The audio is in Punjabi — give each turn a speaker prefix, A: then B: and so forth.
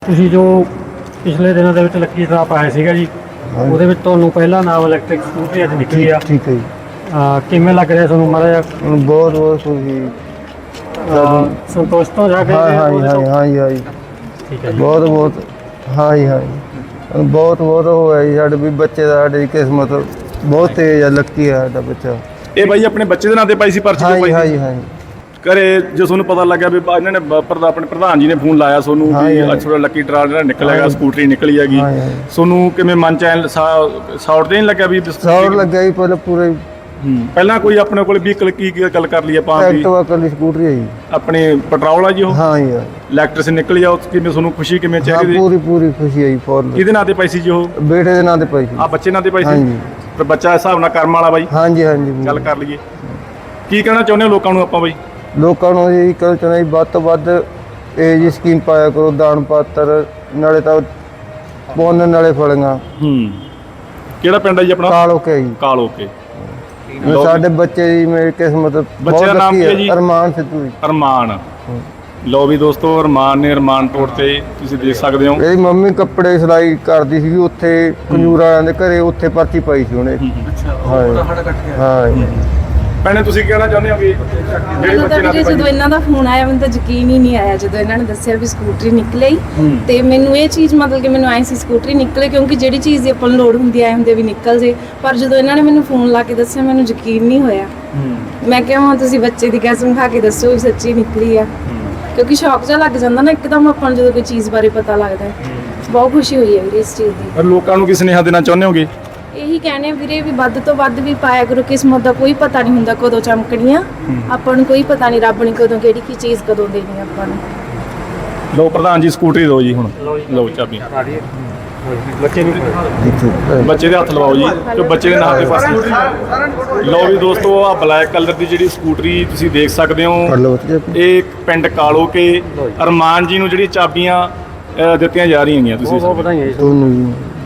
A: ਤੁਸੀਂ ਜੋ ਪਿਛਲੇ ਦਿਨਾਂ ਦੇ ਵਿੱਚ ਲੱਕੀ ਡਰਾ ਪਾਇਆ ਸੀਗਾ ਜੀ, ਉਹਦੇ ਵਿੱਚ ਤੁਹਾਨੂੰ ਪਹਿਲਾ ਨਾਮ ਇਲੈਕਟ੍ਰਿਕ ਸਕੂਟਰੀ ਅੱਜ ਨਿਕਲੀ ਆ।
B: ਠੀਕ ਹੈ ਜੀ।
A: ਕਿਵੇਂ ਲੱਗ ਰਿਹਾ ਤੁਹਾਨੂੰ ਮਾੜਾ ਜਿਹਾ?
B: ਬਹੁਤ ਬਹੁਤ ਖੁਸ਼ੀ।
A: ਸੰਤੋਸ਼ ਤੋਂ ਜਾ ਕੇ?
B: ਹਾਂ ਜੀ
A: ਠੀਕ ਹੈ ਜੀ।
B: ਬਹੁਤ ਬਹੁਤ ਹਾਂ ਜੀ ਬਹੁਤ ਬਹੁਤ ਹੋਇਆ ਜੀ। ਸਾਡੇ ਵੀ ਬੱਚੇ ਦਾ ਸਾਡੀ ਕਿਸਮਤ ਬਹੁਤ ਤੇਜ਼ ਆ। ਲੱਕੀ ਆ ਸਾਡਾ ਬੱਚਾ।
C: ਇਹ ਬਾਈ ਆਪਣੇ ਬੱਚੇ ਦੇ ਨਾਂ ਤੇ ਪਾਈ ਸੀ ਪਰਚੀ?
B: ਹਾਂ ਜੀ
C: ਘਰੇ ਜੋ ਤੁਹਾਨੂੰ ਪਤਾ ਲੱਗਿਆ ਵੀ ਇਹਨਾਂ ਨੇ ਆਪਣੇ ਪ੍ਰਧਾਨ ਜੀ ਨੇ ਫੋਨ ਲਾਇਆ ਤੁਹਾਨੂੰ ਵੀ ਅੱਜ ਥੋੜਾ ਲੱਕੀ ਡਰਾ ਜਿਹੜਾ ਨਿਕਲੇਗਾ, ਸਕੂਟਰੀ ਨਿਕਲੀ ਹੈਗੀ, ਤੁਹਾਨੂੰ ਕਿਵੇਂ ਮਨ ਚ ਸ਼ਾਰਟ ਤੇ ਨਹੀਂ ਲੱਗਿਆ ਵੀ?
B: ਸ਼ਾਰਟ ਲੱਗਿਆ ਜੀ ਪਹਿਲਾਂ ਪੂਰੇ।
C: ਪਹਿਲਾਂ ਕੋਈ ਆਪਣੇ ਕੋਲ ਵਹੀਕਲ ਕੀ ਗੱਲ ਕਰ ਲਈ ਆਪਾਂ?
B: ਐਕਟਿਵਾ ਕੱਲੀ ਸਕੂਟਰੀ ਹੈ ਜੀ।
C: ਆਪਣੇ ਪੈਟਰੋਲ ਆ ਜੀ ਉਹ?
B: ਹਾਂ ਜੀ।
C: ਇਲੈਕਟ੍ਰਿਕ ਨਿਕਲੀ ਆ ਉਹ, ਕਿਵੇਂ ਤੁਹਾਨੂੰ ਖੁਸ਼ੀ ਕਿਵੇਂ ਚਾਹੀਦੀ?
B: ਪੂਰੀ ਖੁਸ਼ੀ ਹੈ ਜੀ।
C: ਕਿਹਦੇ ਨਾਂ ਤੇ ਪਾਈ ਸੀ ਜੀ ਉਹ?
B: ਬੇਟੇ ਦੇ ਨਾਂ ਤੇ ਪਾਈ ਸੀ।
C: ਆ ਬੱਚੇ ਨਾਂ ਤੇ ਪਾਈ ਸੀ?
B: ਹਾਂਜੀ।
C: ਤੇ ਬੱਚਾ ਹਿਸਾਬ ਨਾਲ ਕਰਮ ਵਾਲਾ ਬਾਈ?
B: ਹਾਂਜੀ
C: ਗੱਲ ਕਰ ਲਈਏ, ਕੀ ਕਹਿਣਾ ਚਾਹੁੰਦੇ ਹੋ ਲੋਕਾਂ ਨੂੰ ਆਪਾਂ ਬਾਈ?
B: ਲੋਕਾਂ ਨੂੰ ਇਹ ਕਹਿਣਾ ਚਾਹੁੰਦਾ ਜੀ, ਵੱਧ ਤੋਂ ਵੱਧ ਇਹ ਜੀ ਸਕੀਮ ਪਾਇਆ ਕਰੋ। ਦਾਨ ਪਾਤਰ ਨਾਲੇ ਤਾਂ ਪੁੰਨ ਨਾਲੇ ਫਲੀਆਂ।
C: ਕਿਹੜਾ ਪਿੰਡ ਹੈ ਜੀ ਆਪਣਾ?
B: ਕਾਲੋਕੇ ਜੀ।
C: ਕਾਲੋਕੇ।
B: ਸਾਡੇ ਬੱਚੇ ਦੀ ਮੇਰੀ ਕਿਸਮਤ
C: ਬੱਚੇ ਦਾ ਨਾਮ ਕੀ ਹੈ ਜੀ?
B: ਅਰਮਾਨ ਸਿੱਧੂ ਜੀ।
C: ਅਰਮਾਨ। ਲੋ ਵੀ ਦੋਸਤੋ, ਅਰਮਾਨ ਨੇ ਅਰਮਾਨ ਤੋੜ ਤੇ ਤੁਸੀਂ ਦੇਖ ਸਕਦੇ ਹੋ।
B: ਇਹਦੀ ਮੰਮੀ ਕੱਪੜੇ ਸਿਲਾਈ ਕਰਦੀ ਸੀ ਉੱਥੇ ਖੰਜੂਰ ਵਾਲਿਆਂ ਦੇ ਘਰੇ, ਉੱਥੇ ਪਰਚੀ ਪਾਈ ਸੀ ਉਹਨੇ। ਹਾਂ।
C: ਭੈਣੇ ਤੁਸੀਂ ਕਹਿਣਾ ਚਾਹੁੰਦੇ ਹੋ ਕਿ ਜਿਹੜੇ ਬੱਚੇ ਨਾਲ
D: ਜਦੋਂ ਇਹਨਾਂ ਦਾ ਫੋਨ ਆਇਆ ਮੈਨੂੰ ਤਾਂ ਯਕੀਨ ਹੀ ਨਹੀਂ ਆਇਆ ਜਦੋਂ ਇਹਨਾਂ ਨੇ ਦੱਸਿਆ ਵੀ ਸਕੂਟਰੀ ਨਿਕਲੀ। ਤੇ ਮੈਨੂੰ ਇਹ ਚੀਜ਼ ਮਤਲਬ ਕਿ ਮੈਨੂੰ ਆਈ ਸੀ ਸਕੂਟਰੀ ਨਿਕਲੇ, ਕਿਉਂਕਿ ਜਿਹੜੀ ਚੀਜ਼ ਦੀ ਆਪਾਂ ਨੂੰ ਲੋੜ ਹੁੰਦੀ ਆਏ ਹੁੰਦੇ ਵੀ ਨਿਕਲ ਜੇ। ਪਰ ਜਦੋਂ ਇਹਨਾਂ ਨੇ ਮੈਨੂੰ ਫੋਨ ਲਾ ਕੇ ਦੱਸਿਆ ਮੈਨੂੰ ਯਕੀਨ ਨਹੀਂ ਹੋਇਆ। ਮੈਂ ਕਿਹਾ ਹੁਣ ਤੁਸੀਂ ਬੱਚੇ ਦੀ ਕਸਮ ਖਾ ਕੇ ਦੱਸੋ ਵੀ ਸੱਚੀ ਨਿਕਲੀ ਆ, ਕਿਉਂਕਿ ਸ਼ੌਕ ਜਿਹਾ ਲੱਗ ਜਾਂਦਾ ਨਾ ਇੱਕਦਮ ਆਪਾਂ ਨੂੰ ਜਦੋਂ ਕੋਈ ਚੀਜ਼ ਬਾਰੇ ਪਤਾ ਲੱਗਦਾ। ਬਹੁਤ ਖੁਸ਼ੀ ਹੋਈ ਹੈ ਵੀਰੇ ਇਸ ਚੀਜ਼ ਦੀ।
C: ਪਰ ਲੋਕਾਂ ਨੂੰ ਕੀ ਸੁਨੇਹਾ ਦੇਣਾ ਚਾਹੁੰਦੇ ਹੋਗੇ?
D: ਇਹੀ ਕਹਿੰਦੇ ਆ ਵੀਰੇ ਵੀ ਵੱਧ ਤੋਂ ਵੱਧ ਵੀ ਪਾਇਆ ਕਰੋ। ਕਿਸਮਤ ਦਾ ਕੋਈ ਪਤਾ ਨਹੀਂ ਹੁੰਦਾ ਕਦੋਂ ਚਮਕਣੀ ਆ, ਆਪਾਂ ਨੂੰ ਕੋਈ ਪਤਾ ਨਹੀਂ ਰੱਬ ਨੇ ਕਦੋਂ ਕਿਹੜੀ ਕੀ ਚੀਜ਼ ਕਦੋਂ ਦੇਣੀ ਆਪਾਂ ਨੂੰ।
C: ਲੋ ਪ੍ਰਧਾਨ ਜੀ ਸਕੂਟਰੀ ਦਿਓ ਜੀ ਹੁਣ। ਲਓ ਚਾਬੀਆਂ ਬੱਚੇ ਦੇ ਹੱਥ ਲਵਾਓ ਜੀ, ਕਿ ਬੱਚੇ ਦੇ ਨਾਂ ਤੇ ਪਾਸ। ਲਓ ਵੀ ਦੋਸਤੋ, ਆ ਬਲੈਕ ਕਲਰ ਦੀ ਜਿਹੜੀ ਸਕੂਟਰੀ ਤੁਸੀਂ ਦੇਖ ਸਕਦੇ ਹੋ, ਇਹ ਪਿੰਡ ਕਾਲੋਕੇ ਅਰਮਾਨ ਜੀ ਨੂੰ ਜਿਹੜੀ ਚਾਬੀਆਂ ਦਿੱਤੀਆਂ ਜਾ ਰਹੀਆਂ ਹੈਗੀਆਂ। ਤੁਸੀਂ
A: ਬਹੁਤ ਵਧਾਈਆਂ ਜੀ
B: ਤੁਹਾਨੂੰ।